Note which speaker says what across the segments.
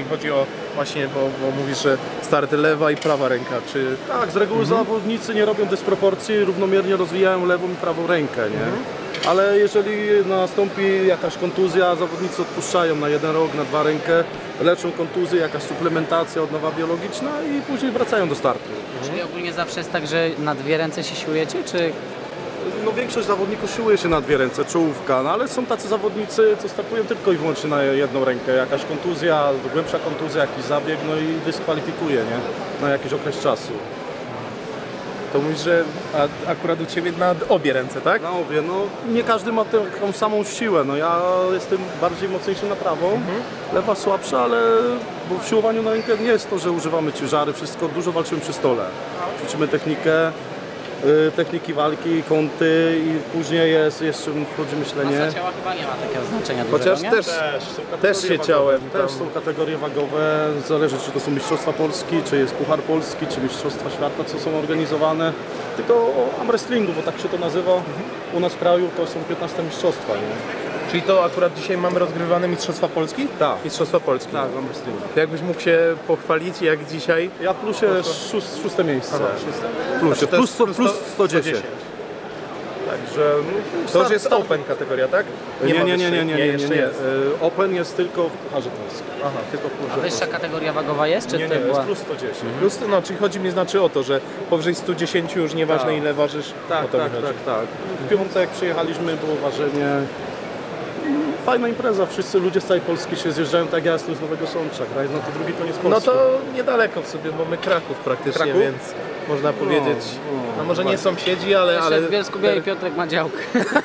Speaker 1: chodzi o właśnie, bo mówisz, że start lewa i prawa ręka, czy...
Speaker 2: Tak, z reguły zawodnicy nie robią dysproporcji, równomiernie rozwijają lewą i prawą rękę, nie? Ale jeżeli nastąpi jakaś kontuzja, zawodnicy odpuszczają na 1 rok, na 2 rękę, leczą kontuzję, jakaś suplementacja, odnowa biologiczna i później wracają do startu.
Speaker 3: Czyli ogólnie zawsze jest tak, że na 2 ręce się siłujecie, czy...
Speaker 2: No większość zawodników siłuje się na 2 ręce, czołówka, no ale są tacy zawodnicy, co startują tylko i wyłącznie na 1 rękę. Jakaś kontuzja, głębsza kontuzja, jakiś zabieg, no i dyskwalifikuje, nie? Na jakiś okres czasu.
Speaker 1: To mówisz, że akurat u Ciebie na obie ręce, tak?
Speaker 2: Na obie, no nie każdy ma taką samą siłę, no ja jestem bardziej mocniejszy na prawą, lewa słabsza, ale bo w siłowaniu na rękę nie jest to, że używamy ciężary, wszystko, dużo walczymy przy stole. Ćwiczymy techniki walki, kąty i później jeszcze wchodzi myślenie.
Speaker 3: Masa ciała chyba nie ma takiego znaczenia
Speaker 1: Chociaż
Speaker 3: dużego, nie?
Speaker 1: też się ciałem.
Speaker 2: Też są kategorie wagowe, zależy czy to są Mistrzostwa Polski, czy jest Puchar Polski, czy Mistrzostwa Świata, co są organizowane. Tylko o armwrestlingu, bo tak się to nazywa. U nas w kraju to są 15 mistrzostwa, nie?
Speaker 1: Czyli to akurat dzisiaj mamy rozgrywane Mistrzostwa Polski?
Speaker 2: Tak.
Speaker 1: Mistrzostwa Polski.
Speaker 2: Tak, w armwrestlingu.
Speaker 1: To jakbyś mógł się pochwalić, jak dzisiaj?
Speaker 2: Ja w plusie 6. miejsce.
Speaker 1: Aha,
Speaker 2: Plusie,
Speaker 1: to jest
Speaker 2: plus 110.
Speaker 1: Także to już jest open kategoria, tak?
Speaker 2: Nie,
Speaker 1: jeszcze jest.
Speaker 2: Open jest tylko w Pucharze Polskim.
Speaker 1: Aha, tylko w
Speaker 3: A
Speaker 1: Pucharze.
Speaker 3: wyższa kategoria wagowa jest, czy
Speaker 2: Nie,
Speaker 3: to
Speaker 2: jest
Speaker 3: była...
Speaker 2: plus 110.
Speaker 1: Plus, no, czyli chodzi mi znaczy o to, że powyżej 110 już nieważne ile ważysz,
Speaker 2: Tak,
Speaker 1: o to mi
Speaker 2: tak,
Speaker 1: chodzi.
Speaker 2: tak. W piątek przyjechaliśmy, było ważenie. Fajna impreza, wszyscy ludzie z całej Polski się zjeżdżają, tak jak ja jestem z Nowego Sącza, kraj, no to drugi koniec Polski.
Speaker 1: No to niedaleko w sobie, bo my Kraków praktycznie,
Speaker 2: Kraków?
Speaker 1: więc można powiedzieć, no może nie sąsiedzi, ale...
Speaker 3: Jeszcze w Bielsku-Białej Piotrek ma działkę.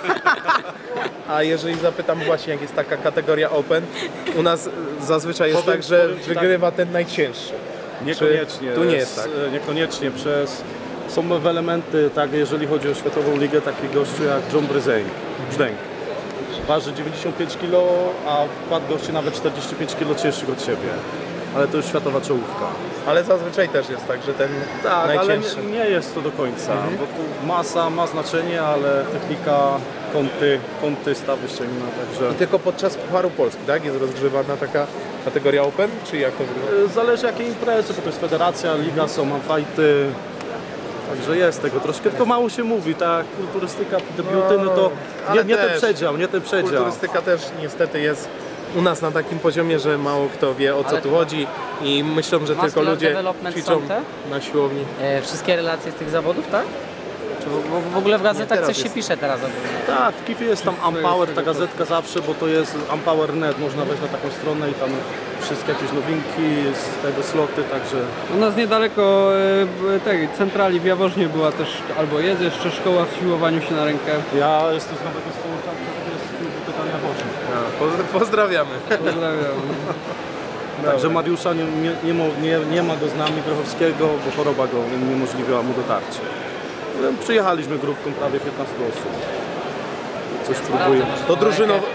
Speaker 1: A jeżeli zapytam właśnie, jak jest taka kategoria open, u nas zazwyczaj jest
Speaker 2: Powiem-
Speaker 1: tak, że
Speaker 2: powiem ci
Speaker 1: wygrywa ten najcięższy.
Speaker 2: Niekoniecznie.
Speaker 1: tu nie jest tak?
Speaker 2: Niekoniecznie są nowe elementy, tak, jeżeli chodzi o światową ligę, taki gościu jak John Brzdęk. Waży 95 kg, a wkład gości nawet 45 kg cięższych od siebie. Ale to już światowa czołówka.
Speaker 1: Ale zazwyczaj też jest tak, że ten
Speaker 2: Tak, ale
Speaker 1: najcięższy.
Speaker 2: nie jest to do końca, bo tu masa ma znaczenie, ale technika, kąty, stawy ścięgna, także...
Speaker 1: I tylko podczas Pucharu Polski, tak? Jest rozgrzewana taka kategoria open, czy jak to wygląda?
Speaker 2: Zależy jakie imprezy, bo to jest federacja, liga, są fighty. Także jest tego troszkę, tylko mało się mówi, tak, kulturystyka, debiuty, no to
Speaker 1: ale
Speaker 2: nie ten
Speaker 1: też
Speaker 2: przedział.
Speaker 1: Kulturystyka też niestety jest u nas na takim poziomie, że mało kto wie o co
Speaker 3: Ale
Speaker 1: tu chodzi i myślą, że tylko
Speaker 3: Muscular
Speaker 1: ludzie
Speaker 3: development
Speaker 1: ćwiczą
Speaker 3: są te?
Speaker 1: na siłowni.
Speaker 3: Wszystkie relacje z tych zawodów, tak? Czy w ogóle w gazetach
Speaker 1: teraz
Speaker 3: coś się
Speaker 1: jest.
Speaker 3: pisze teraz ogólnie?
Speaker 2: Tak, w Kifie jest tam Unpower, ta gazetka zawsze, bo to jest Unpower.net, można wejść na taką stronę i tam wszystkie jakieś nowinki z tego sloty, także...
Speaker 4: U nas niedaleko tej centrali w Jaworznie była też, albo jest jeszcze szkoła w siłowaniu się na rękę.
Speaker 2: Ja jestem z Nowego Sącza, to jest pytania Boże.
Speaker 1: Pozdrawiamy.
Speaker 4: Pozdrawiam.
Speaker 2: Także Mariusza nie ma go z nami, Grochowskiego, bo choroba go uniemożliwiła mu dotarcie. Przyjechaliśmy grupką prawie 15 osób. Coś próbuję.
Speaker 1: To drużynowo...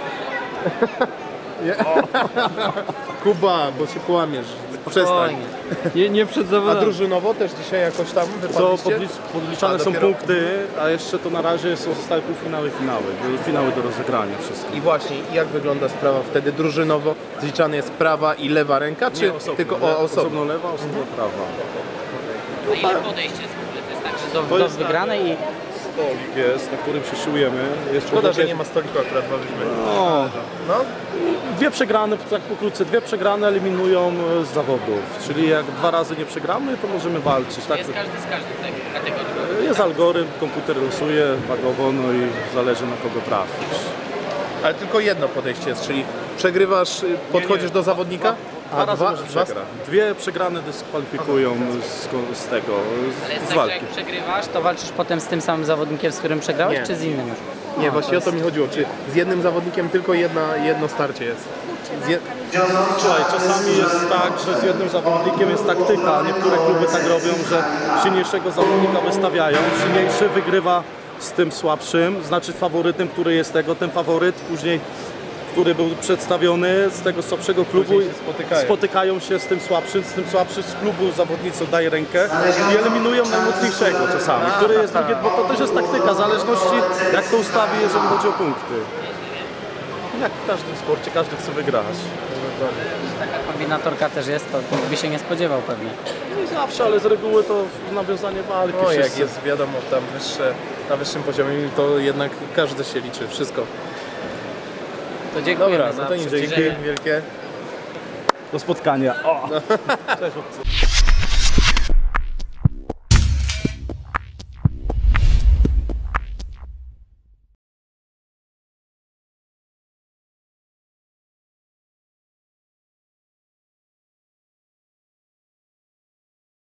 Speaker 1: Kuba, bo się połamiesz. Przestań.
Speaker 3: Spokojnie.
Speaker 4: Nie przed
Speaker 1: A
Speaker 4: zawodami.
Speaker 1: drużynowo też dzisiaj jakoś tam
Speaker 2: Co
Speaker 1: wypadliście?
Speaker 2: podliczane
Speaker 1: A,
Speaker 2: są
Speaker 1: dopiero.
Speaker 2: punkty, a jeszcze to na razie zostały półfinały i finały. Były finały do rozegrania wszystkie.
Speaker 1: I właśnie, jak wygląda sprawa wtedy drużynowo? Zliczany jest prawa i lewa ręka, czy tylko osobno?
Speaker 2: Osobno lewa, osobno prawa.
Speaker 3: A ile podejście jest w ogóle? To jest tak, że do wygranej i...
Speaker 2: Stolik jest, na którym się siłujemy. Jest
Speaker 1: Szkoda, że
Speaker 2: człowiekiem-
Speaker 1: nie ma stoliku akurat bawimy. No,
Speaker 2: Dwie przegrane, tak pokrótce, dwie przegrane eliminują z zawodów. Czyli jak 2 razy nie przegramy, to możemy walczyć. Tak?
Speaker 3: Jest każdy z każdej kategorii.
Speaker 2: Jest algorytm, komputer losuje wagowo, no i zależy na kogo trafisz.
Speaker 1: ale tylko jedno podejście jest, czyli przegrywasz, podchodzisz do zawodnika,
Speaker 2: Dwa razy
Speaker 1: dwa-
Speaker 2: możesz
Speaker 1: dwa-
Speaker 2: przegrać. Dwie przegrane dyskwalifikują z tego,
Speaker 3: Ale jest
Speaker 2: z
Speaker 3: tak, że
Speaker 2: walki.
Speaker 3: jak przegrywasz, to walczysz potem z tym samym zawodnikiem, z którym przegrałeś,
Speaker 1: Nie.
Speaker 3: czy z innym już?
Speaker 1: Nie, właśnie o to mi chodziło, czy z jednym zawodnikiem tylko jedno starcie jest.
Speaker 2: Słuchaj, czasami jest tak, że z jednym zawodnikiem jest taktyka. Niektóre kluby tak robią, że silniejszego zawodnika wystawiają, silniejszy wygrywa z tym słabszym, znaczy faworytem, który jest tego, ten faworyt później, który był przedstawiony z tego słabszego klubu,
Speaker 1: Później się spotykają.
Speaker 2: się z tym słabszym z klubu zawodnicy oddaje rękę i eliminują najmocniejszego czasami, który jest drugi, bo to też jest taktyka, w zależności jak to ustawi, jeżeli chodzi o punkty. Jak w każdym sporcie, każdy chce wygrać.
Speaker 3: Taka kombinatorka też jest, to nikt by się nie spodziewał pewnie.
Speaker 2: Nie zawsze, ale z reguły to nawiązanie walki.
Speaker 1: No jak
Speaker 2: wszyscy.
Speaker 1: jest wiadomo tam na wyższym poziomie, to jednak każdy się liczy, wszystko.
Speaker 3: To dziękujemy
Speaker 1: Dobra,
Speaker 3: za
Speaker 1: no to nic,
Speaker 3: przybliżenie.
Speaker 1: dzięki wielkie.
Speaker 2: Do spotkania. O! Cześć, chłopcy.